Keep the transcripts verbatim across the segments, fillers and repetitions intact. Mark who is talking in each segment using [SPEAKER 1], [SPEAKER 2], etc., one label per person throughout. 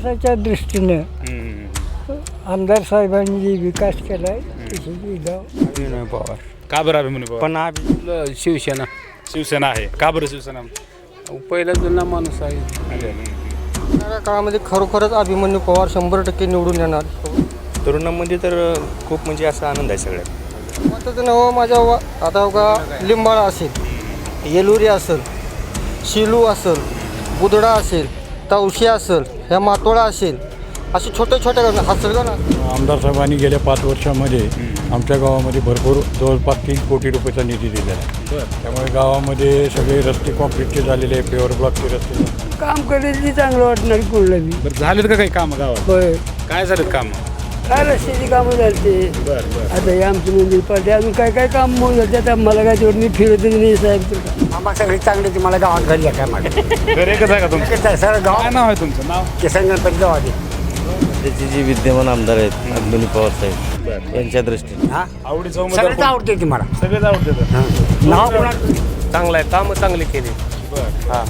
[SPEAKER 1] विकासाच्या दृष्टीनं आमदार साहेबांनी जे विकास केला आहे त्याची गाव
[SPEAKER 2] अभिमन्यू पवार.
[SPEAKER 3] का बरं अभिमन्यू पवार?
[SPEAKER 2] पण अभि शिवसेना
[SPEAKER 3] शिवसेना आहे. का बरं शिवसेना?
[SPEAKER 2] पहिला जुना माणूस आहे.
[SPEAKER 4] येणाऱ्या काळामध्ये खरोखरच अभिमन्यू पवार शंभर टक्के निवडून येणार.
[SPEAKER 5] तरुणांमध्ये तर खूप म्हणजे असा आनंद आहे सगळ्यात.
[SPEAKER 4] मताचं नाव माझ्या वा आता बघा लिंबाळा असेल, येलुरी असेल, शिलू असेल, बुदडा असेल, तवशी असेल, ह्या मातोळा असेल, असे छोटे छोटे हसलगा ना.
[SPEAKER 6] आमदार साहेबांनी गेल्या पाच वर्षामध्ये आमच्या गावामध्ये भरपूर जवळपास तीन कोटी रुपयाचा निधी दिलेला आहे. त्यामुळे गावामध्ये सगळे रस्ते कॉन्क्रीटचे झालेले आहे, पेवर ब्लॉकचे रस्ते.
[SPEAKER 1] काम करेल चांगलं वाटणार कुठलं बी.
[SPEAKER 3] बरं झालेत का काही कामं गावात?
[SPEAKER 1] होय,
[SPEAKER 3] काय झालेत कामं?
[SPEAKER 1] काय रस्त्याची कामं झाली.
[SPEAKER 3] बरं बरं
[SPEAKER 1] आता हे आमचं मंदिर पाहिजे अजून काय काय काम होऊन जाते. आता मला काय तेवढं मी फिरतच नाही साहेब.
[SPEAKER 7] आम्हाला सगळी चांगली ती मला गावात घरी आहे काय माझ्या
[SPEAKER 3] घर एकच आहे का तुमचं?
[SPEAKER 7] सगळं गाव
[SPEAKER 3] काय नाव आहे तुमचं? नाव?
[SPEAKER 7] किसन गणपती गाव आहे.
[SPEAKER 5] त्याचे जे विद्यमान आमदार आहेत अभिमन्यू पवार साहेब यांच्या दृष्टीने
[SPEAKER 7] हा
[SPEAKER 3] आवडीचं
[SPEAKER 7] सगळ्याच
[SPEAKER 3] उमेदवार
[SPEAKER 7] आवडते ती मला.
[SPEAKER 3] सगळेच आवडते.
[SPEAKER 7] नाव कोणा
[SPEAKER 5] चांगलं आहे, कामं चांगली केली.
[SPEAKER 3] हां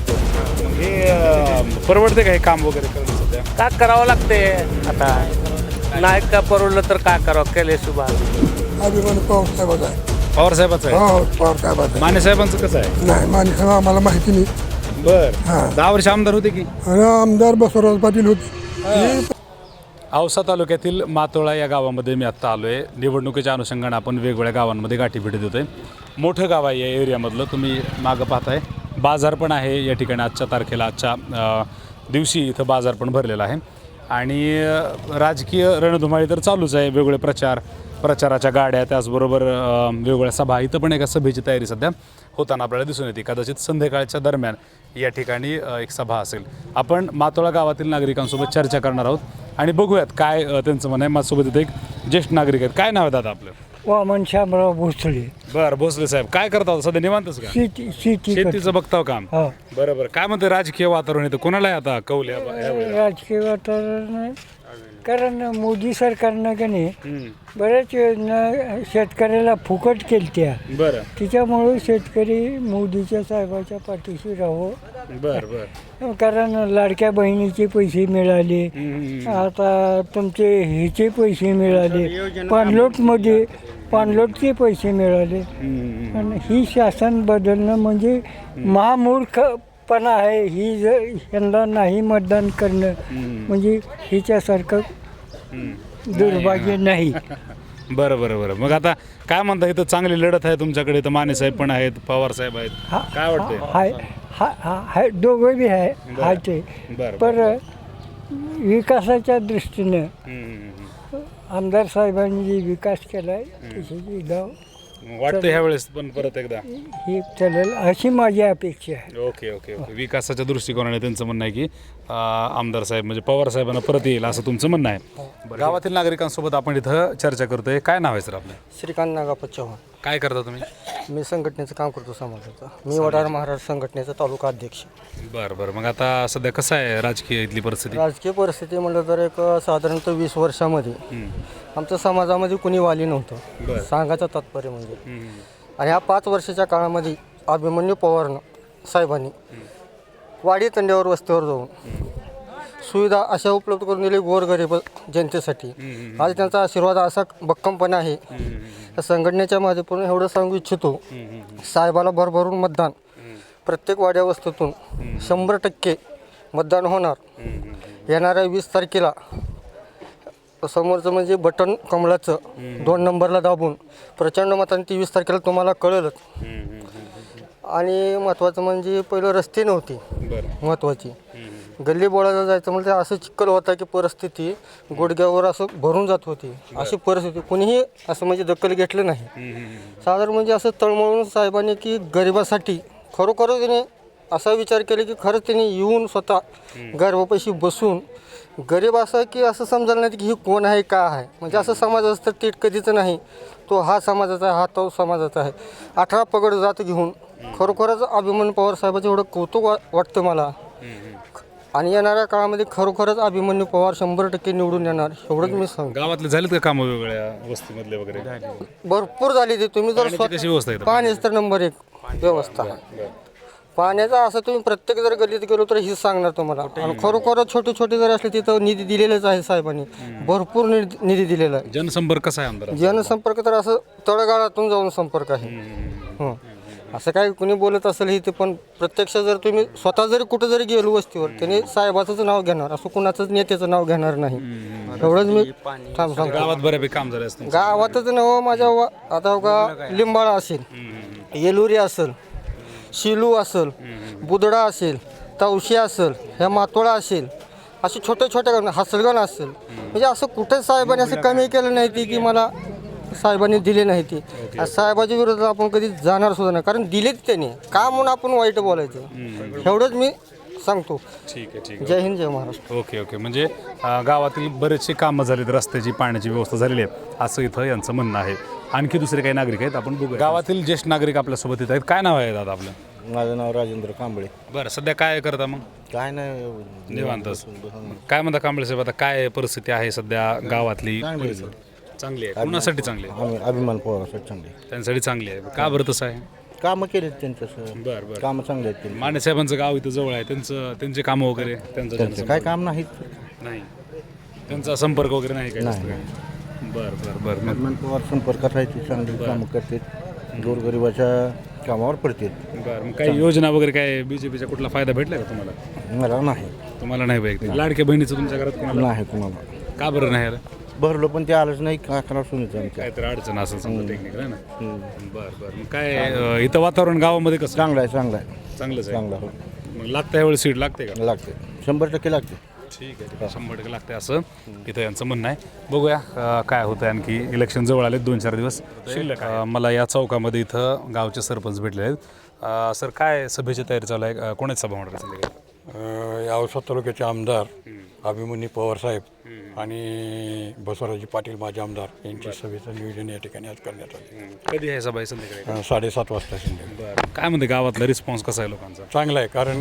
[SPEAKER 3] हे अं, परवडते का हे काम वगैरे करणं सध्या?
[SPEAKER 5] का करावं लागते आता, नाही का परवडलं तर काय करावं, केले सुभा.
[SPEAKER 8] अभिमन्यू पवार साहेबाचा आहे.
[SPEAKER 3] पवार साहेबाचं आहे.
[SPEAKER 8] हो पवार साहेबाचा आहे.
[SPEAKER 3] माने साहेबांचं कसं आहे?
[SPEAKER 8] नाही माणिक साहेब आम्हाला माहिती नाही.
[SPEAKER 3] बर
[SPEAKER 8] हां.
[SPEAKER 3] दहा वर्ष आमदार होते की?
[SPEAKER 8] आणि आमदार बसवराज पाटील होते.
[SPEAKER 3] औसा तालुक्यातील मातोळा या गावामध्ये मी आत्ता आलो आहे. निवडणुकीच्या अनुषंगाने आपण वेगवेगळ्या गावांमध्ये गाठी भेटी देतो आहे. मोठं गाव आहे या एरियामधलं. तुम्ही मागं पाहताय बाजार पण आहे या ठिकाणी. आजच्या तारखेला आजच्या अ, दिवशी इथं बाजार पण भरलेला आहे. आणि अ, राजकीय रणधुमाळी तर चालूच आहे. वेगवेगळे प्रचार प्रचाराच्या गाड्या, त्याचबरोबर अ, वेगवेगळ्या सभा. इथं पण एका सभेची तयारी सध्या होताना आपल्याला दिसून येते. कदाचित संध्याकाळच्या दरम्यान या ठिकाणी अ, एक सभा असेल. आपण मातोळा गावातील नागरिकांसोबत चर्चा करणार आहोत आणि बघूयात काय अ, त्यांचं म्हणणं आहे. माझ्यासोबत इथे एक ज्येष्ठ नागरिक आहेत. काय नाव आहे दादा आपलं?
[SPEAKER 1] वामन शामराव भोसले.
[SPEAKER 3] बरं भोसले साहेब, काय करता सध्या? निवांतच का?
[SPEAKER 1] शेती शेती
[SPEAKER 3] शेतीचं बघताव काम.
[SPEAKER 1] हो.
[SPEAKER 3] बरं बरं. काय म्हणते राजकीय वातावरण इथं? कोणाला आहे आता कौल या- यावेळेला?
[SPEAKER 1] राजकीय वातावरण कारण मोदी सरकारनं का नाही
[SPEAKER 3] हम्म.
[SPEAKER 1] बऱ्याच योजना शेतकऱ्याला फुकट केलत्या.
[SPEAKER 3] बरं
[SPEAKER 1] तिच्यामुळे शेतकरी मोदीच्या साहेबाच्या पाठीशी राहावं.
[SPEAKER 3] बरं बरं.
[SPEAKER 1] कारण लाडक्या बहिणीचे पैसे मिळाले,
[SPEAKER 3] हम्म.
[SPEAKER 1] आता तुमचे ह्याचे पैसे मिळाले, पाणलोटमध्ये पाणलोटचे पैसे मिळाले.
[SPEAKER 3] हम्म.
[SPEAKER 1] आणि ही शासन बदलणं म्हणजे महामूर्खपणा आहे. ही जर यांना नाही मतदान करणं म्हणजे हिच्यासारखं दुर्भाग्य नाही.
[SPEAKER 3] बरं बरं बरं. मग आता काय म्हणता? इथं चांगली लढत आहे तुमच्याकडे. तर माने साहेब पण आहेत, पवार साहेब आहेत. काय वाटतंय?
[SPEAKER 1] हाय हा हा हाय दोघं बी आहे हाय ते.
[SPEAKER 3] बरं
[SPEAKER 1] पर विकासाच्या दृष्टीनं
[SPEAKER 3] हम्म.
[SPEAKER 1] आमदार साहेबांनी जे विकास केला आहे त्याची गाव
[SPEAKER 3] वाटतं ह्या वेळेस पण परत एकदा
[SPEAKER 1] ही चालेल अशी माझी अपेक्षा आहे.
[SPEAKER 3] Okay okay okay. विकासाच्या दृष्टिकोनाने त्यांचं म्हणणं आहे की अं, आमदार साहेब म्हणजे पवार साहेबांना परत येईल असं तुमचं म्हणणं आहे. गावातील नागरिकांसोबत आपण इथं चर्चा करतोय. काय नाव आहे सर आपलं?
[SPEAKER 4] श्रीकांत नागापत चव्हाण.
[SPEAKER 3] काय करता तुम्ही?
[SPEAKER 4] मी संघटनेचं काम करतो समाजाचं. मी वडार महाराज संघटनेचा तालुका अध्यक्ष.
[SPEAKER 3] बरं बरं. मग आता सध्या कसं आहे राजकीय इथली परिस्थिती?
[SPEAKER 4] राजकीय परिस्थिती म्हटलं तर एक साधारणतः वीस वर्षामध्ये आमच्या समाजामध्ये कुणी वाली नव्हतं, सांगायचं तात्पर्य म्हणजे. आणि ह्या पाच वर्षाच्या काळामध्ये अभिमन्यू पवारनं साहेबांनी वाडी तंड्यावर वस्तीवर जाऊन सुविधा अशा उपलब्ध करून दिली गोरगरीब जनतेसाठी. आज त्यांचा आशीर्वाद असा भक्कमपणे आहे. या संघटनेच्या माध्यमातून एवढं सांगू इच्छितो, साहेबाला भरभरून मतदान प्रत्येक वाड्या वस्तीतून शंभर टक्के मतदान होणार. येणाऱ्या वीस तारखेला समोरचं म्हणजे बटन कमळाचं दोन नंबरला दाबून प्रचंड मताने ती वीस तारखेला तुम्हाला कळेलच. आणि महत्त्वाचं म्हणजे पहिलं रस्ते नव्हती महत्त्वाची. गल्ली बोळाला जायचं म्हणजे असं चिखल होता की परिस्थिती गुडघ्यावर असं भरून जात होती. अशी परिस्थिती कुणीही असं म्हणजे दखल घेतलं नाही. साधारण म्हणजे असं तळमळून साहेबांनी की गरिबासाठी खरोखरच त्याने असा विचार केला की खरंच त्यांनी येऊन स्वतः गरिबापाशी बसून गरीब असं की असं समजायला नाही की ही कोण आहे का आहे म्हणजे असं समाज असतं ते कधीच नाही. तो हा समाजाचा आहे, हा तो समाजाचा आहे. अठरा पगड जात घेऊन खरोखरच अभिमन्यू पवार साहेबाचं एवढं कौतुक वा वाटतं मला. आणि येणाऱ्या काळामध्ये खरोखरच अभिमन्यू पवार शंभर टक्के निवडून येणार एवढंच मी सांगतो.
[SPEAKER 3] गावातले झालेत का कामं वेगवेगळ्या वस्तीमधले वगैरे?
[SPEAKER 4] भरपूर झाली ती. तुम्ही जर
[SPEAKER 3] कशी व्यवस्था आहे?
[SPEAKER 4] पाण्याची तर नंबर एक व्यवस्था. पाण्याचा असं तुम्ही प्रत्येक जर गल्लीत गेलो तर हेच सांगणार तुम्हाला. आणि खरोखर छोटे छोटे जर असले तिथं निधी दिलेलाच आहे साहेबांनी, भरपूर निधी निधी दिलेला आहे.
[SPEAKER 3] जनसंपर्क कसा आहे आमदार?
[SPEAKER 4] जनसंपर्क तर असं तळगाळातून जाऊन संपर्क आहे. हं. असं काय कुणी बोलत असेल हे ते, पण प्रत्यक्ष जर तुम्ही स्वतः जरी कुठं जरी गेलो वस्तीवर त्याने साहेबाचंच नाव घेणार, असं कुणाचंच नेत्याचं नाव घेणार नाही. एवढंच मी थांब सांगतो.
[SPEAKER 3] गावात बऱ्यापैकी काम झाले असते.
[SPEAKER 4] गावातच नव माझ्या वा- आता का लिंबाळा असेल, येलुरी असेल, शिलू असेल, बुदडा असेल, तवशी असेल, ह्या मातोळा असेल, असे छोटे छोटे गाव, हसलगण असेल, म्हणजे असं कुठेच साहेबांनी असं कमी केलं नाही ती की मला साहेबांनी दिले नाही ती. साहेबाच्या विरोधात आपण कधी जाणार सुद्धा नाही, कारण दिलेच त्यांनी, का म्हणून आपण वाईट बोलायचं. एवढंच मी सांगतो.
[SPEAKER 3] ठीक आहे ठीक आहे.
[SPEAKER 4] जय हिंद, जय महाराष्ट्र.
[SPEAKER 3] Okay okay. म्हणजे अ, गावातील बरेचसे कामं झालीत, रस्त्याची पाण्याची व्यवस्था झालेली आहे असं इथं यांचं म्हणणं आहे. आणखी दुसरे काही नागरिक आहेत, आपण बघू. गावातील ज्येष्ठ नागरिक आपल्यासोबत येत आहेत. काय नाव आहे दादा आपलं?
[SPEAKER 9] माझं नाव राजेंद्र कांबळे.
[SPEAKER 3] बरं, सध्या काय करता मग?
[SPEAKER 9] काय नाही,
[SPEAKER 3] निवांतच. काय म्हणता कांबळे साहेब, आता काय परिस्थिती आहे सध्या गावातली?
[SPEAKER 9] चांगली आहे.
[SPEAKER 3] चांगली आहे. कुणासाठी चांगली आहे?
[SPEAKER 9] आम्ही अभिमान पवारासाठी चांगले
[SPEAKER 3] त्यांच्यासाठी चांगली आहे. का बरं तसं आहे?
[SPEAKER 9] कामं केलेत त्यांचं,
[SPEAKER 3] बरं बरं.
[SPEAKER 9] कामं चांगले आहेत त्यांनी.
[SPEAKER 3] माने साहेबांचं गाव इथं जवळ आहे, त्यांचं त्यांचे कामं वगैरे, त्यांचं
[SPEAKER 9] त्यांचं काय काम नाही.
[SPEAKER 3] नाही, त्यांचा संपर्क वगैरे नाही काय जास्त
[SPEAKER 9] नाही.
[SPEAKER 3] काय? बरं बरं बरं. मग
[SPEAKER 9] अभिमान पवार संपर्कात राहायची, चांगली कामं करतात, गोरगरिबाच्या कामावर पडतात.
[SPEAKER 3] बरं, मग काही योजना वगैरे काय बीजेपीचा कुठला फायदा भेटला का तुम्हाला?
[SPEAKER 9] मला नाही,
[SPEAKER 3] तुम्हाला नाही वैयक्तिक? लाडक्या बहिणीचं तुमच्या घरात कोणाला?
[SPEAKER 9] नाही कुणाला.
[SPEAKER 3] का बरं नाही आलं?
[SPEAKER 9] भरलो पण ते आलंच नाही. का करा सुनीचं आमच्या.
[SPEAKER 3] काहीतरी अडचण असेल समजा टेक्निकल आहे ना. बरं बरं. मग काय अं, इथं वातावरण गावामध्ये कसं?
[SPEAKER 9] चांगलं आहे, चांगलं आहे,
[SPEAKER 3] चांगलंच आहे.
[SPEAKER 9] चांगलं हो.
[SPEAKER 3] मग लागतं यावेळी सीट लागते का?
[SPEAKER 9] लागते, शंभर टक्के लागते.
[SPEAKER 3] ठीक आहे ठीक आहे. शंभर टक्के लागते असं इथं यांचं म्हणणं आहे. बघूया अं, काय होतं. आणखी इलेक्शन जवळ आले, दोन चार दिवस शिल्लक आहे. अं, मला या चौकामध्ये इथं गावचे सरपंच भेटले आहेत. अं, सर, काय सभेची तयारी चालू आहे? अं, कोणाची सभा होणार आहे संध्याकाळी?
[SPEAKER 6] या औसा तालुक्याचे आमदार अभिमन्यू पवार साहेब आणि बसवराजी पाटील माझे आमदार यांची सभेचं नियोजन या ठिकाणी आज करण्यात आले.
[SPEAKER 3] कधी आहे सभा आहे संध्याकाळी?
[SPEAKER 6] अ, साडेसात वाजता संध्याकाळी.
[SPEAKER 3] बरं, काय म्हणते गावातला रिस्पॉन्स कसा आहे लोकांचा?
[SPEAKER 6] चांगलं आहे, कारण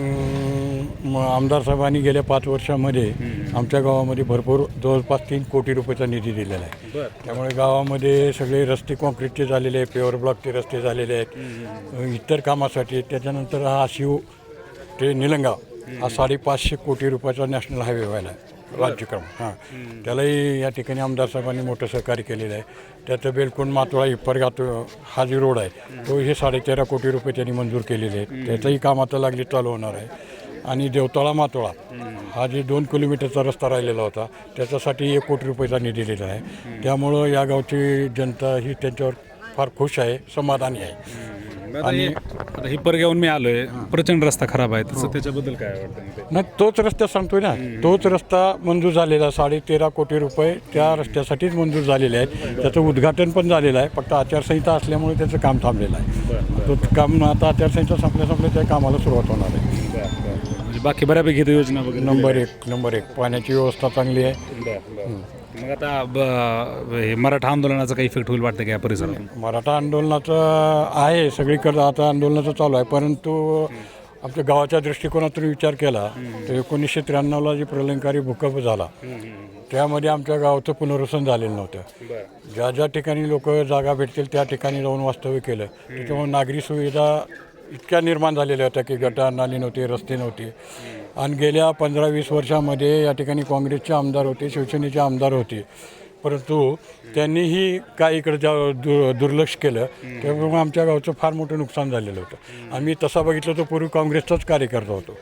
[SPEAKER 6] म, आमदार साहेबांनी गेल्या पाच वर्षामध्ये आमच्या गावामध्ये भरपूर जवळपास तीन कोटी रुपयाचा निधी दिलेला आहे.
[SPEAKER 3] बरं.
[SPEAKER 6] त्यामुळे गावामध्ये सगळे रस्ते कॉन्क्रीटचे झालेले आहे, पेवर ब्लॉकचे रस्ते झालेले आहेत, इतर कामासाठी. त्याच्यानंतर हा शिव ते निलंगाव हा साडेपाचशे कोटी रुपयाचा नॅशनल हायवे व्हायला आहे, राज्यक्रम. हां, त्यालाही या ठिकाणी आमदार साहेबांनी मोठं सहकार्य केलेलं आहे. त्याचं बेलकोंड मातोळा हिप्परगात हा जी रोड आहे तो हे साडेतेरा कोटी रुपये त्यांनी मंजूर केलेले आहेत. त्याचंही काम आता लागली चालू होणार आहे. आणि देवतळा मातोळा हा जे दोन किलोमीटरचा रस्ता राहिलेला होता त्याच्यासाठी एक कोटी रुपयाचा निधी दिलेला आहे. त्यामुळं या गावची जनता ही त्यांच्यावर फार खुश आहे, समाधानी आहे.
[SPEAKER 3] आणि आता ही परगावून मी आलोय, प्रचंड रस्ता खराब आहे, तसं त्याच्याबद्दल काय वाटतं?
[SPEAKER 6] नाही, तोच रस्ता सांगतोय ना, तोच रस्ता मंजूर झालेला साडे तेरा कोटी रुपये त्या रस्त्यासाठीच मंजूर झालेले आहेत. त्याचं उद्घाटन पण झालेलं आहे, फक्त आचारसंहिता असल्यामुळे त्याचं काम थांबलेलं आहे. तो काम आता आचारसंहिता संपल्या संपल्या त्या कामाला सुरुवात होणार आहे.
[SPEAKER 3] म्हणजे बाकी बऱ्यापैकी इथं योजना वगैरे
[SPEAKER 6] नंबर एक नंबर एक पाण्याची व्यवस्था चांगली आहे.
[SPEAKER 3] मग आता ब- हे मराठा आंदोलनाचा काही इफेक्ट होईल वाटतं का या परिसरात?
[SPEAKER 6] मराठा आंदोलनाचं आहे सगळीकडं आता आंदोलनाचं चालू आहे, परंतु आमच्या गावाच्या दृष्टिकोनातून विचार केला तर एकोणीसशे त्र्याण्णवला जी प्रलंकारी भूकंप झाला त्यामध्ये आमच्या गावाचं पुनर्वसन झालेलं नव्हतं. ज्या ज्या ठिकाणी लोक जागा भेटतील त्या ठिकाणी जाऊन वास्तव्य केलं. त्याच्यामुळे नागरी सुविधा इतक्या निर्माण झालेल्या होत्या की गटार नाली नव्हती, रस्ते नव्हते. आणि गेल्या पंधरा वीस वर्षामध्ये या ठिकाणी काँग्रेसचे आमदार होते, शिवसेनेचे आमदार होते, परंतु त्यांनीही काय इकडे जा दु दुर्लक्ष केलं. त्यामुळे आमच्या गावचं फार मोठं नुकसान झालेलं होतं. आम्ही तसा बघितलं तर पूर्वी काँग्रेसचाच कार्यकर्ता होतो.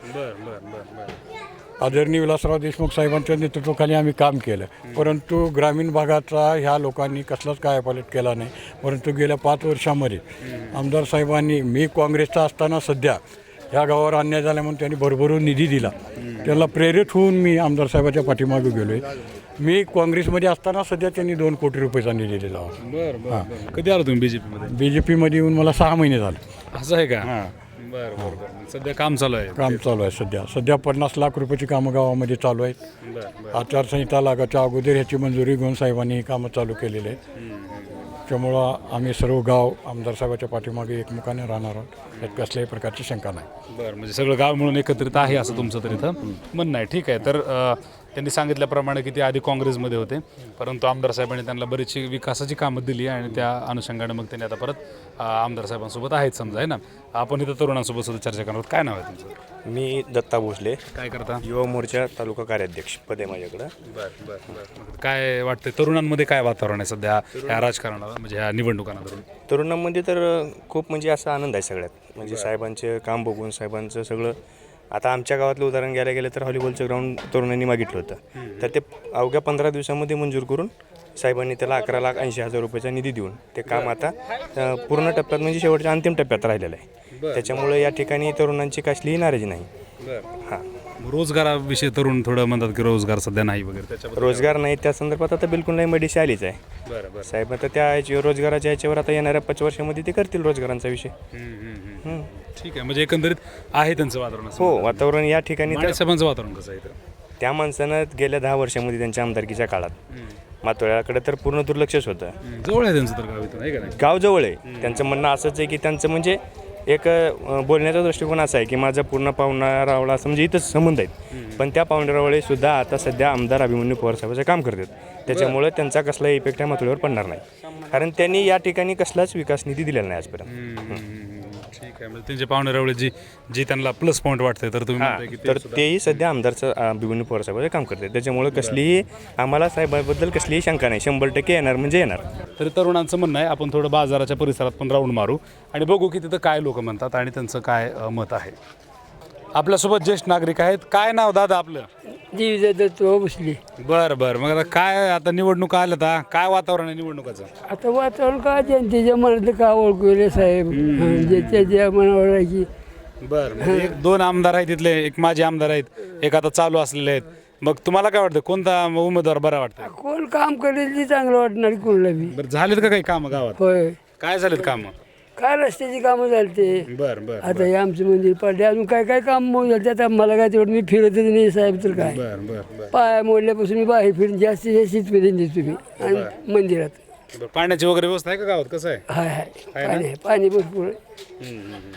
[SPEAKER 6] आदरणीय विलासराव देशमुख साहेबांच्या नेतृत्वाखाली आम्ही काम केलं, परंतु ग्रामीण भागाचा ह्या लोकांनी कसलाच कायापालट केला नाही. परंतु गेल्या पाच वर्षामध्ये आमदार साहेबांनी, मी काँग्रेसचा असताना सध्या ह्या गावावर अन्याय झाला म्हणून त्यांनी भरभरून निधी दिला. त्याला प्रेरित होऊन मी आमदार साहेबाच्या पाठीमागे गेलो आहे. मी काँग्रेसमध्ये असताना सध्या त्यांनी दोन कोटी रुपयाचा निधी दिला होता.
[SPEAKER 3] बरं बरं. कधी आलो तुम्ही बीजेपीमध्ये?
[SPEAKER 6] बी जे पीमध्ये येऊन मला सहा महिने झाले.
[SPEAKER 3] असं आहे का? बरं बरं बरं. सध्या काम चालू आहे?
[SPEAKER 6] काम चालू आहे. सध्या सध्या पन्नास लाख रुपयाची कामं गावामध्ये चालू आहेत.
[SPEAKER 3] बरं.
[SPEAKER 6] आचारसंहिता लागायच्या अगोदर ह्याची मंजुरी घेऊन साहेबांनी ही कामं चालू केलेली आहेत. त्यामुळं आम्ही सर्व गाव आमदार साहेबाच्या पाठीमागे एकमुखाने राहणार आहोत, यात कसल्याही प्रकारची शंका नाही.
[SPEAKER 3] बरं, म्हणजे सगळं गाव मिळून एकत्रित आहे असं तुमचं तर इथं म्हणणं आहे. ठीक आहे. तर अ, त्यांनी सांगितल्याप्रमाणे की ते आधी काँग्रेसमध्ये होते, परंतु आमदार साहेबांनी त्यांना बरीचशी विकासाची कामं दिली आणि त्या अनुषंगाने मग त्यांनी आता परत अ, आमदार साहेबांसोबत आहेत समजा आहे ना. आपण इथं तरुणांसोबत सुद्धा चर्चा करणार. काय नाव आहे तुमचं?
[SPEAKER 10] मी दत्ता भोसले,
[SPEAKER 3] काय करता?
[SPEAKER 10] युवा मोर्चा तालुका कार्याध्यक्ष पद आहे माझ्याकडं.
[SPEAKER 3] बरं बरं बरं. काय वाटतंय तरुणांमध्ये काय वातावरण आहे सध्या ह्या राजकारणाला म्हणजे ह्या निवडणुकांना धरून?
[SPEAKER 10] तरुणांमध्ये तर खूप म्हणजे असा आनंद आहे सगळ्यात. म्हणजे साहेबांचे काम बघून साहेबांचं सगळं. आता आमच्या गावातलं उदाहरण घ्यायला गेलं तर व्हॉलीबॉलचं ग्राउंड तरुणांनी मागितलं होतं, तर ते अवघ्या पंधरा दिवसामध्ये मंजूर करून साहेबांनी त्याला अकरा लाख ऐंशी हजार रुपयाचा निधी देऊन ते काम आता अ, पूर्ण टप्प्यात म्हणजे शेवटच्या अंतिम टप्प्यात राहिलेलं आहे. त्याच्यामुळे या ठिकाणी तरुणांची कसलीही नाराजी नाही. हां,
[SPEAKER 3] रोजगाराविषयी तरुण थोडं म्हणतात की रोजगार सध्या नाही वगैरे, त्याच्याबद्दल
[SPEAKER 10] रोजगार नाही त्या संदर्भात आता बिलकुल नाही मडीशी आलीच आहे.
[SPEAKER 3] बरं बरं.
[SPEAKER 10] साहेब आता त्या ह्याची रोजगाराच्या ह्याच्यावर आता येणाऱ्या पाच वर्षामध्ये ते करतील रोजगारांचा विषय. हं.
[SPEAKER 3] ठीक आहे, म्हणजे एकंदरीत आहे त्यांचं वातावरण असं.
[SPEAKER 10] हो, वातावरण या ठिकाणी तर
[SPEAKER 3] साहेबांचं वातावरण कसं आहे इथं?
[SPEAKER 10] त्या माणसानं गेल्या दहा वर्षामध्ये त्यांच्या आमदारकीच्या काळात मातोळ्याकडे तर पूर्ण दुर्लक्षच होतं.
[SPEAKER 3] जवळ आहे त्यांचं तर गाव इथून आहे का नाही?
[SPEAKER 10] गाव जवळ आहे. त्यांचं म्हणणं असंच आहे की त्यांचं म्हणजे एक अ, बोलण्याचा दृष्टिकोन असा आहे की माझा पूर्ण पाहुणा रावळा असं म्हणजे इथंच संबंध आहेत, पण त्या पाहुणे रावळे सुद्धा आता सध्या आमदार अभिमन्यू पवार साहेबांचं काम करतात. त्याच्यामुळे त्यांचा कसलाही इफेक्ट या मातोळीवर पडणार नाही, कारण त्यांनी या ठिकाणी कसलाच विकास निधी दिलेला नाही आजपर्यंत.
[SPEAKER 3] ठीक आहे, म्हणजे त्यांचे पाहुणे रावळे जी जी त्यांना प्लस पॉईंट वाटतंय तर तुम्ही म्हणताय की ते
[SPEAKER 10] तर
[SPEAKER 3] सुद्धा-
[SPEAKER 10] तेही सध्या आमदारचं अभिमन्यू पवार साहेबांचं काम करतात. त्याच्यामुळे कसलीही आम्हाला साहेबांबद्दल कसलीही शंका नाही, शंभर टक्के येणार म्हणजे येणार.
[SPEAKER 3] तरी तरुणांचं म्हणणं आहे आपण थोडं बाजाराच्या परिसरात पण राऊंड मारू आणि बघू की तिथं काय लोक म्हणतात आणि त्यांचं काय अ, मत आहे. आपल्यासोबत ज्येष्ठ नागरिक आहेत. काय नाव दादा आपलं?
[SPEAKER 1] जीव बसली.
[SPEAKER 3] बरं बरं. मग आता काय आता निवडणुका आल्या आता काय वातावरण आहे निवडणुकाचं?
[SPEAKER 1] आता वातावरण काय जनतेच्या मनातलं का ओळखू रे साहेब, ज्याच्या ज्या मनावर आहे की
[SPEAKER 3] बरं. म्हणजे एक दोन आमदार आहेत तिथले, एक माजी आमदार आहेत, एक आता चालू असलेले आहेत. मग तुम्हाला काय वाटतं कोणता उमेदवार बरा वाटतं?
[SPEAKER 1] कोण काम करेल ते चांगलं वाटणार कोणाला बी.
[SPEAKER 3] बरं, झालेत का काही कामं गावात?
[SPEAKER 1] होय,
[SPEAKER 3] काय झालेत कामं?
[SPEAKER 1] काय रस्त्याची कामं झालते.
[SPEAKER 3] बरं बरं
[SPEAKER 1] आता हे आमचं मंदिर पडले, अजून काय काय काम मग झालं. आता मला काय तेवढं मी फिरतच नाही साहेब, तर काय
[SPEAKER 3] बरं बरं बरं.
[SPEAKER 1] पाय मोडल्यापासून मी बाहेर फिरून जास्तीत जास्त शीतपर्यंत दिसतो तुम्ही आणि मंदिरात.
[SPEAKER 3] बरं, पाण्याची वगैरे व्यवस्था आहे का गावात? कसं आहे?
[SPEAKER 1] हाय हाय पाणी आहे, पाणी भरपूर आहे.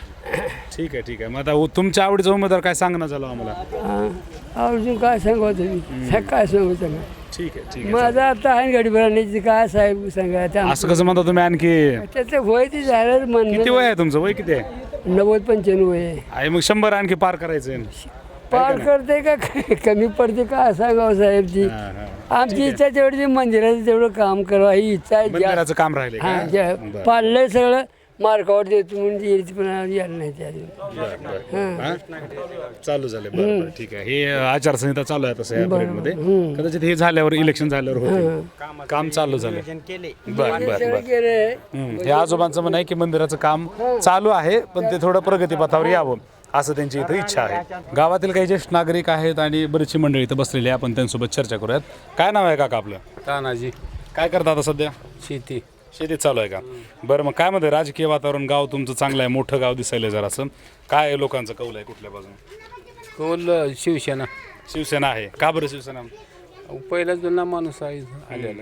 [SPEAKER 3] ठीक आहे ठीक आहे. मग आता उ- तुमच्या आवडीचा उमेदवार काय सांगणं झालं आम्हाला?
[SPEAKER 1] हां, अजून काय सांगावं तुम्ही, काय सांगू सांगा.
[SPEAKER 3] ठीक आहे ठीक आहे.
[SPEAKER 1] माझं आता आहे गाडी भरण्याची, काय साहेब सांगा. त्या
[SPEAKER 3] असं कसं म्हणता तुम्ही आणखी?
[SPEAKER 1] त्याचं वय ते झालं
[SPEAKER 3] किती
[SPEAKER 1] म्हणणं,
[SPEAKER 3] वय आहे तुमचं? वय किती आहे?
[SPEAKER 1] नव्वद पंच्याण्णव आहे.
[SPEAKER 3] आहे मग शंभर आणखी पार करायचं.
[SPEAKER 1] पार करते का कमी पडते काय सांगावं साहेब. ती
[SPEAKER 3] हां, हां.
[SPEAKER 1] आमची इच्छा तेवढी मंदिराचं तेवढं काम करावं ही इच्छा आहे. ज्या-
[SPEAKER 3] मंदिराचं काम राहिले का?
[SPEAKER 1] हां, ज्या-
[SPEAKER 3] बरं.
[SPEAKER 1] पाडलंय सगळं मार्कावर देतो म्हणजे येईल, पण यायला नाही त्या अजून.
[SPEAKER 3] बरं, बरं. हां? चालू झाले. बरं बरं ठीक आहे. हे आचारसंहिता चालू आहे तसं या पिरियडमध्ये. कदाचित हे झाल्यावर इलेक्शन झाल्यावर होते. काम चालू झालं. बरं बरं
[SPEAKER 1] सगळं
[SPEAKER 3] बरं.
[SPEAKER 1] केलंय.
[SPEAKER 3] हं. हे आजोबांचं म्हणणं आहे की मंदिराचं काम चालू आहे, पण ते थोडं प्रगतीपथावर यावं असं त्यांची इथं इच्छा आहे. गावातील काही ज्येष्ठ नागरिक आहेत आणि बरीचशी मंडळी इथं बसलेली आहे. आपण त्यांच्यासोबत चर्चा करूयात. काय नाव आहे काका आपलं?
[SPEAKER 2] तानाजी.
[SPEAKER 3] काय करता आता सध्या?
[SPEAKER 2] शेती.
[SPEAKER 3] शेतीत चालू आहे का? बरं, मग काय म्हणते राजकीय वातावरण? गाव तुमचं चांगलं आहे, मोठं गाव दिसायला जरा असं. काय लोकांचं कौल आहे कुठल्या बाजून?
[SPEAKER 2] कौल शिवसेना.
[SPEAKER 3] शिवसेना आहे का? बरं शिवसेना.
[SPEAKER 2] पहिला जुना माणूस आहे आलेला.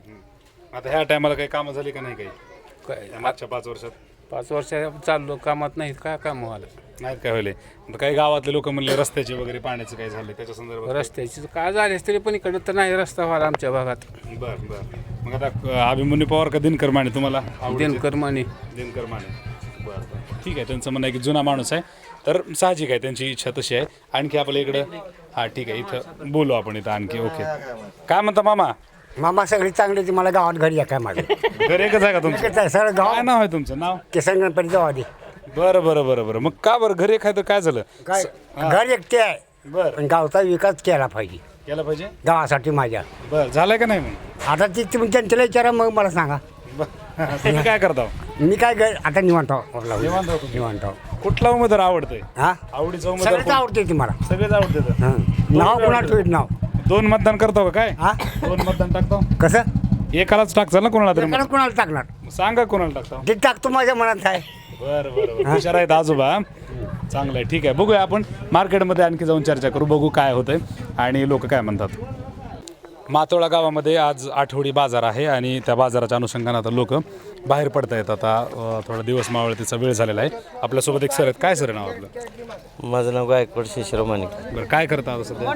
[SPEAKER 3] आता ह्या टायमाला काही कामं झाली का नाही काही
[SPEAKER 2] काय
[SPEAKER 3] या मागच्या पाच वर्षात?
[SPEAKER 2] पाच वर्ष चाललो कामात नाहीत, काय काम व्हायला.
[SPEAKER 3] नाहीत काय व्हायले? आता काही गावातले लोक म्हणले रस्त्याचे वगैरे पाण्याचं काय झालं त्याच्या संदर्भात?
[SPEAKER 2] रस्त्याची काय झालेस तरी पण इकडं तर नाही रस्ता व्हायला आमच्या भागात.
[SPEAKER 3] बरं बरं. मग आता अ, अभिमन्यू पवार का दिनकर माने तुम्हाला आवडते?
[SPEAKER 2] दिनकर माने.
[SPEAKER 3] दिनकर माने. बरं बरं ठीक आहे. त्यांचं म्हणणं आहे की जुना माणूस आहे, तर साहजिक आहे त्यांची इच्छा तशी आहे. आणखी आपल्या इकडं हां ठीक आहे, इथं बोलू आपण इथं आणखी. ओके. काय म्हणता मामा?
[SPEAKER 7] मामा सगळी चांगली ती मला गावात घरी या काय माझं
[SPEAKER 3] घर एकच आहे का तुमचं?
[SPEAKER 7] सगळं गाव
[SPEAKER 3] काय नाव आहे तुमचं? नाव?
[SPEAKER 7] किसन गणपती जाऊ आधी.
[SPEAKER 3] बरं बरं बरं बरं. मग का बरं घरी खायचं काय झालं?
[SPEAKER 7] काय घर एकटे आहे,
[SPEAKER 3] बरं
[SPEAKER 7] पण गावचा विकास केला पाहिजे
[SPEAKER 3] केला पाहिजे.
[SPEAKER 7] गावासाठी माझ्या.
[SPEAKER 3] बरं झालंय का नाही मग?
[SPEAKER 7] आता ती तुम्ही जनतेला विचारा, मग मला सांगा.
[SPEAKER 3] बरं. तुम्ही काय करता?
[SPEAKER 7] मी काय घर आता निवांत आहो.
[SPEAKER 3] निवांत आहो तुम्ही?
[SPEAKER 7] निवांत आहो.
[SPEAKER 3] कुठला उमेदवार आवडतंय?
[SPEAKER 7] हा,
[SPEAKER 3] आवडीचा उमेदवार
[SPEAKER 7] सगळंच
[SPEAKER 3] कोण?
[SPEAKER 7] आवडते ती मला.
[SPEAKER 3] सगळेच आवडते.
[SPEAKER 7] हं. नाव कुणा ठेवीत नाव.
[SPEAKER 3] दोन मतदान करतो का काय?
[SPEAKER 7] हा,
[SPEAKER 3] दोन मतदान टाकतो?
[SPEAKER 7] कसं
[SPEAKER 3] एकालाच टाकचाल ना कोणाला तरी?
[SPEAKER 7] एकाला कुणाला टाकणार
[SPEAKER 3] मग सांगा कोणाला टाकतो.
[SPEAKER 7] ते टाकतो माझ्या मनात आहे.
[SPEAKER 3] बरं बरं बरं. हुशार आहेत आजोबा. चांगलं आहे. ठीक आहे, बघूया आपण मार्केटमध्ये आणखी जाऊन चर्चा करू, बघू काय होतंय आणि लोक काय म्हणतात. मातोळा गावामध्ये आज आठवडी बाजार आहे आणि त्या बाजाराच्या अनुषंगाने आता लोक बाहेर पडत आहेत. आता अ, थोडा दिवस मावळतीचा वेळ झालेला आहे. आपल्यासोबत एक सर आहेत. काय सर नाव आपलं?
[SPEAKER 5] माझं नाव गायकवाड शिशिराव माणिक.
[SPEAKER 3] बरं, काय करता आता सध्या?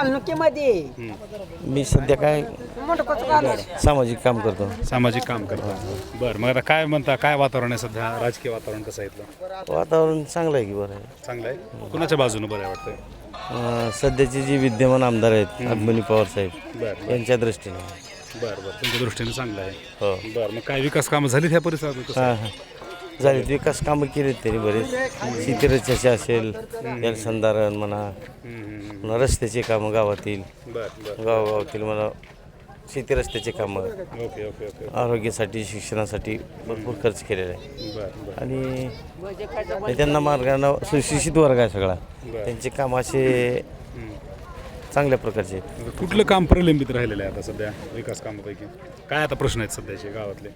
[SPEAKER 5] मी सध्या काय सामाजिक काम करतो.
[SPEAKER 3] सामाजिक काम करता. बरं, मग आता काय म्हणता, काय वातावरण आहे सध्या? राजकीय वातावरण कसं आहे इथलं?
[SPEAKER 5] वातावरण चांगलं आहे की बरं आहे.
[SPEAKER 3] चांगलं आहे. कुणाच्या बाजूनं बरं आहे वाटतंय?
[SPEAKER 5] अं, सध्याचे जे विद्यमान आमदार आहेत अभिमन्यू पवार साहेब
[SPEAKER 3] बरं
[SPEAKER 5] यांच्या दृष्टीने.
[SPEAKER 3] बरं बरं तुमच्या दृष्टीने चांगलं आहे.
[SPEAKER 5] हो.
[SPEAKER 3] बरं, मग काय विकास कामं झाली त्या परिसरात? कसं आहे?
[SPEAKER 5] हां हां झाले विकास कामं केलीत त्यांनी बरेच. शेतीरचनाचे असेल, जलसंधारण म्हणा, पुन्हा रस्त्याचे कामं गावातील
[SPEAKER 3] बरं बरं
[SPEAKER 5] गावगावातील म्हणा, शेती रस्त्याचे कामं,
[SPEAKER 3] ओके ओके ओके
[SPEAKER 5] आरोग्यासाठी शिक्षणासाठी भरपूर खर्च केलेला आहे.
[SPEAKER 3] बरं बरं
[SPEAKER 5] आणि त्यांना मार्गाने सुशिक्षित वर्ग आहे सगळा. त्यांचे काम असे चांगल्या प्रकारचे आहेत.
[SPEAKER 3] कुठलं काम प्रलंबित राहिलेलं आहे आता सध्या विकास कामापैकी? काय आता प्रश्न आहेत सध्याचे गावातले?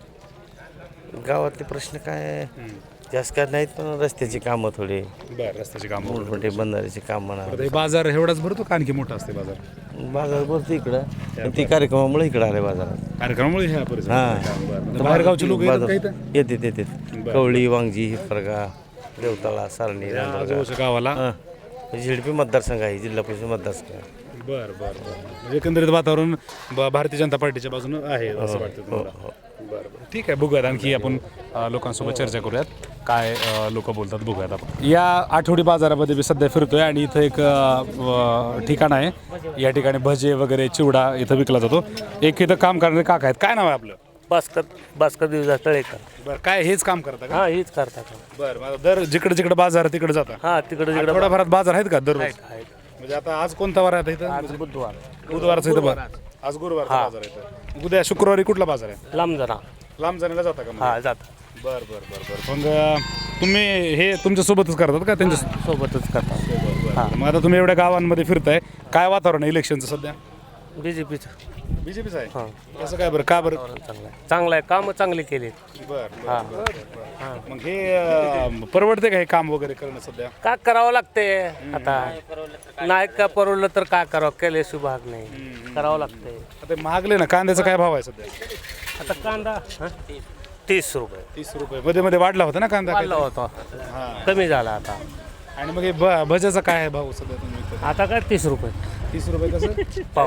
[SPEAKER 5] गावातले प्रश्न काय जास्त काय नाहीत, पण रस्त्याची कामं थोडे,
[SPEAKER 3] बरं, रस्त्याचे काम.
[SPEAKER 5] मोठमोठे बंधाऱ्याचे काम म्हणा.
[SPEAKER 3] आता हे बाजार एवढाच भरतो का आणखी मोठा असते बाजार?
[SPEAKER 5] बाजार भरतो इकडं, पण ती कार्यक्रमामुळे इकडं आले बाजारात.
[SPEAKER 3] कार्यक्रमामुळे ह्या परिसरात
[SPEAKER 5] हां
[SPEAKER 3] बरं. बाहेरगावचे लोक येतात का इथं?
[SPEAKER 5] येतात येतात कवळी, वांगजी, हिफरगा, देवताळा, सारणी,
[SPEAKER 3] आजूबाजूच्या गावाला.
[SPEAKER 5] हां झेडपी मतदारसंघ आहे, जिल्हा परिषद मतदारसंघ आहे.
[SPEAKER 3] बरं बरं बरं म्हणजे एकंदरीत वातावरण ब- भारतीय जनता पार्टीच्या बाजूनं आहे असं वाटतं तुम्हाला? बरं बरं ठीक आहे, बघूयात आणखी आपण अ, लोकांसोबत चर्चा करूयात. काय लोक बोलतात बघूयात आपण. या आठवडी बाजारामध्ये मी सध्या फिरतोय आणि इथं एक अ, व- ठिकाण आहे. या ठिकाणी भजे वगैरे चिवडा इथं विकला जातो. एक इथं काम करणारे काका आहेत. काय नाव आहे आपलं?
[SPEAKER 5] भास्कर भास्कर दिवसा तळेकर.
[SPEAKER 3] बरं, काय हेच काम करता का?
[SPEAKER 5] हां हेच करतात.
[SPEAKER 3] बरं, मग दर जिकडे जिकडे बाजार आहे तिकडे जाता?
[SPEAKER 5] हां तिकडे तिकडे
[SPEAKER 3] थोड्याफारात बाजार आहेत का दररोज? म्हणजे आता आज कोणता वार आहे आता इथं?
[SPEAKER 5] आज बुधवार
[SPEAKER 3] बुधवारचा इथं बाजार. आज गुरुवारचा बाजार आहे इथं. उद्या शुक्रवारी कुठला बाजार आहे?
[SPEAKER 5] लांब जरा.
[SPEAKER 3] लांब जाण्याला जाता का?
[SPEAKER 5] हां जात
[SPEAKER 3] बर बर बर बर मग अ, तुम्ही हे तुमच्या सोबतच करतात का त्यांच्या
[SPEAKER 5] सोबतच करतात.
[SPEAKER 3] बरं. मग आता तुम्ही एवढ्या गावांमध्ये फिरताय, काय वातावरण आहे इलेक्शनचं सध्या?
[SPEAKER 5] बी जे पीचं
[SPEAKER 3] बीजेपीचं आहे.
[SPEAKER 5] हां
[SPEAKER 3] कसं काय बरं, का बरं?
[SPEAKER 5] चांगलं आहे चांगलं आहे कामं चांगली केली.
[SPEAKER 3] बरं
[SPEAKER 5] हां
[SPEAKER 3] मग हे अ, परवडते का हे काम वगैरे करणं सध्या?
[SPEAKER 5] का करावं लागते आता, नाही का परवडलं तर काय करावं, केल्याशिवाय भाग नाही, करावं लागते.
[SPEAKER 3] आता महागले ना, कांद्याचा काय भाव आहे सध्या?
[SPEAKER 5] आता कांदा हं? तीस रुपये
[SPEAKER 3] तीस रुपये मध्ये मध्ये वाढला होता ना कांदा?
[SPEAKER 5] वाढला होता,
[SPEAKER 3] हां.
[SPEAKER 5] कमी झाला आता.
[SPEAKER 3] आणि मग हे भ- भज्याचा काय आहे भाव सध्या तुम्ही विकता?
[SPEAKER 5] आता काय तीस रुपये
[SPEAKER 3] तीस रुपये कसं?
[SPEAKER 5] पाव.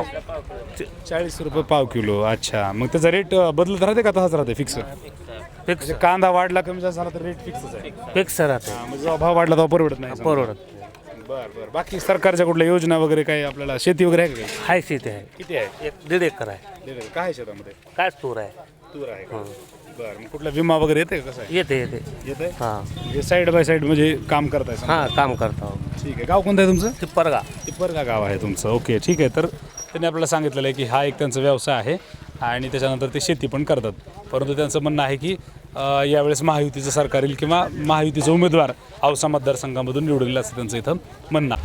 [SPEAKER 3] चाळीस रुपये पाव किलो. अच्छा, मग त्याचा रेट अ, बदलत राहते का तसाच राहते फिक्स?
[SPEAKER 5] फिक्स
[SPEAKER 3] म्हणजे कांदा वाढला कमी जास्त झाला तर रेट फिक्सच आहे.
[SPEAKER 5] फिक्स राहते,
[SPEAKER 3] हां, म्हणजे जेव्हा भाव वाढला तेव्हा परवडत नाही.
[SPEAKER 5] परवडत.
[SPEAKER 3] बरं बरं बाकी सरकारच्या कुठल्या योजना वगैरे काही आपल्याला शेती वगैरे आहे का काही?
[SPEAKER 5] हाय शेती आहे,
[SPEAKER 3] किती आहे?
[SPEAKER 5] एक दीड एकर आहे.
[SPEAKER 3] दीड एकर. काय आहे शेतामध्ये?
[SPEAKER 5] काय तूर आहे.
[SPEAKER 3] तूर आहे का? बरं, मग कुठला विमा वगैरे येते का? कसं आहे?
[SPEAKER 5] येते येते
[SPEAKER 3] येते.
[SPEAKER 5] हां
[SPEAKER 3] म्हणजे साईड बाय साईड म्हणजे काम करताय समजा.
[SPEAKER 5] हां काम करतो.
[SPEAKER 3] ठीक आहे. गाव कोणतं आहे तुमचं?
[SPEAKER 5] तिप्परगा.
[SPEAKER 3] तिप्परगा गाव आहे तुमचं. ओके ठीक आहे. तर त्यांनी आपल्याला सांगितलेलं आहे की हा एक त्यांचा व्यवसाय आहे आणि त्याच्यानंतर ते शेती पण करतात. परंतु त्यांचं म्हणणं आहे की अ, यावेळेस महायुतीचं सरकार येईल किंवा महायुतीचा उमेदवार औसा मतदारसंघामधून निवडून येईल असं त्यांचं इथं म्हणणं.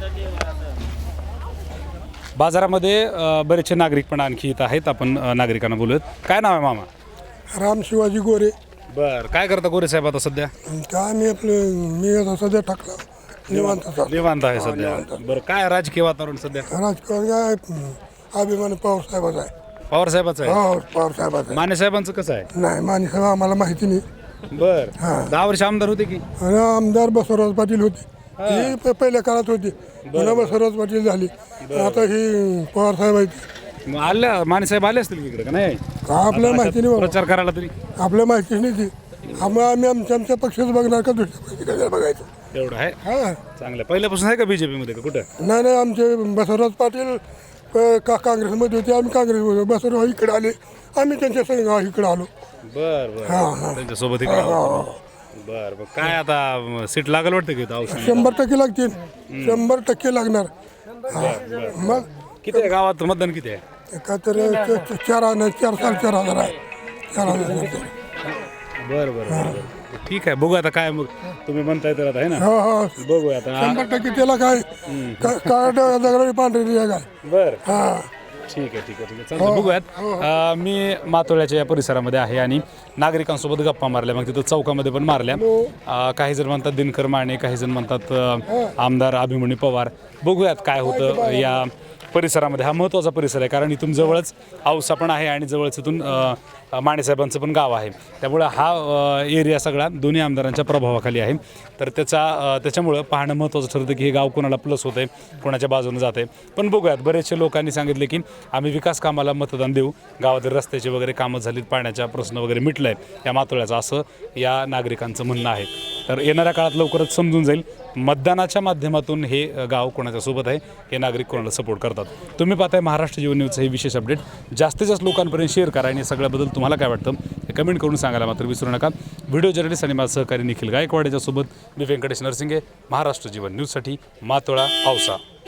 [SPEAKER 3] बाजारामध्ये अ, बरेचसे नागरिक पण आणखी इथं आहेत. आपण अ, नागरिकांना बोलूयात. काय नाव आहे मामा?
[SPEAKER 8] राम शिवाजी गोरे.
[SPEAKER 3] बरं, काय करता गोरे साहेब आता सध्या?
[SPEAKER 8] काय मी आपलं मी आता सध्या टाकला निवांत चालू.
[SPEAKER 3] निवांत आहे सध्या. बरं, काय राजकीय वातावरण सध्या?
[SPEAKER 8] राजकारण काय अभिमान पवार साहेबाचा आहे.
[SPEAKER 3] पवार साहेबाचं आहे.
[SPEAKER 8] हो पवार साहेबाचा आहे.
[SPEAKER 3] माने साहेबांचं कसं आहे?
[SPEAKER 8] नाही माने साहेब आम्हाला माहिती नाही.
[SPEAKER 3] बर दहा वर्ष आमदार होते की?
[SPEAKER 8] आणि आमदार बसवराज पाटील होते, ही प- पहिल्या काळात होती, पुन्हा बसवराज पाटील झाली, आता ही पवार साहेब आहेत.
[SPEAKER 3] मग आल्या माने साहेब आले असतील की इकडे का नाही?
[SPEAKER 8] का आपल्याला माहिती नाही बाबा,
[SPEAKER 3] प्रचार करायला तरी
[SPEAKER 8] आपल्या माहितीच नाही ती. आम्ही आम्ही आमच्या आमच्या पक्षाचं बघणार का दुसऱ्या पक्षाचं बघायचं.
[SPEAKER 3] एवढं आहे.
[SPEAKER 8] हां
[SPEAKER 3] चांगलं. पहिल्यापासून आहे का बीजेपी मध्ये का कुठं?
[SPEAKER 8] नाही नाही आमचे बसवराज पाटील क- का काँग्रेसमध्ये होते, आम्ही काँग्रेसमध्ये, बसवराज इकडे आले, आम्ही त्यांच्या संग इकडे आलो.
[SPEAKER 3] बर बर
[SPEAKER 8] हां हां
[SPEAKER 3] त्यांच्यासोबत इकडे बर बर काय आता सीट लागल वाटतं की इथं औषध?
[SPEAKER 8] शंभर टक्के लागतील, शंभर टक्के लागणार. हां. मग
[SPEAKER 3] किती आहे गावात मतदान किती आहे?
[SPEAKER 8] का तर च- च- चार हजार चार साडेचार हजार आहे, चार हजार.
[SPEAKER 3] बरं बरं बरं ठीक आहे. बघू आता काय मग तुम्ही म्हणताय तर आता आहे ना.
[SPEAKER 8] हो हो
[SPEAKER 3] बघूया आता.
[SPEAKER 8] शंभर टक्के त्याला काय काय दगडावी पांढरी आहे काय.
[SPEAKER 3] बर
[SPEAKER 8] हां
[SPEAKER 3] ठीक आहे ठीक आहे ठीक आहे चालतं. बघूयात. अं, मी मातोळ्याच्या या परिसरामध्ये आहे आणि नागरिकांसोबत गप्पा मारल्या, मग तिथं चौकामध्ये पण मारल्या. अं, काही जण म्हणतात दिनकर माने, काही जण म्हणतात अं, आमदार अभिमन्यू पवार. बघूयात काय होतं या परिसरामध्ये. हा महत्त्वाचा परिसर आहे कारण इथून जवळच औसा पण आहे आणि जवळच इथून अ, मानेसाहेबांचं पण गाव आहे. त्यामुळं हा अ, एरिया सगळा दोन्ही आमदारांच्या प्रभावाखाली आहे. तर त्याचा अ, त्याच्यामुळं पाहणं महत्त्वाचं ठरतं की हे गाव कोणाला प्लस होतं आहे, कोणाच्या बाजूने जात आहे. पण बघूयात, बरेचसे लोकांनी सांगितले की आम्ही विकास कामाला मतदान देऊ, गावातील रस्त्याची वगैरे कामं झालीत, पाण्याचा प्रश्न वगैरे मिटलं आहे या मातोळ्याचा, असं या नागरिकांचं म्हणणं आहे. तर येणाऱ्या काळात लवकरच समजून जाईल मतदानाच्या माध्यमातून हे गाव कोणाच्या सोबत आहे, हे नागरिक कोणाला सपोर्ट करतात. तुम्ही पाहताय महाराष्ट्र जीवन न्यूजचं हे विशेष अपडेट. जास्तीत जास्त लोकांपर्यंत शेअर करा आणि सगळ्याबद्दल तुम्हाला काय वाटतं हे कमेंट करून सांगायला मात्र विसरू नका. व्हिडिओ जर्नलिस्ट आणि माझा सहकारी निखिल गायकवाड याच्यासोबत मी व्यंकटेश नरसिंगे, महाराष्ट्र जीवन न्यूजसाठी मातोळा औसा.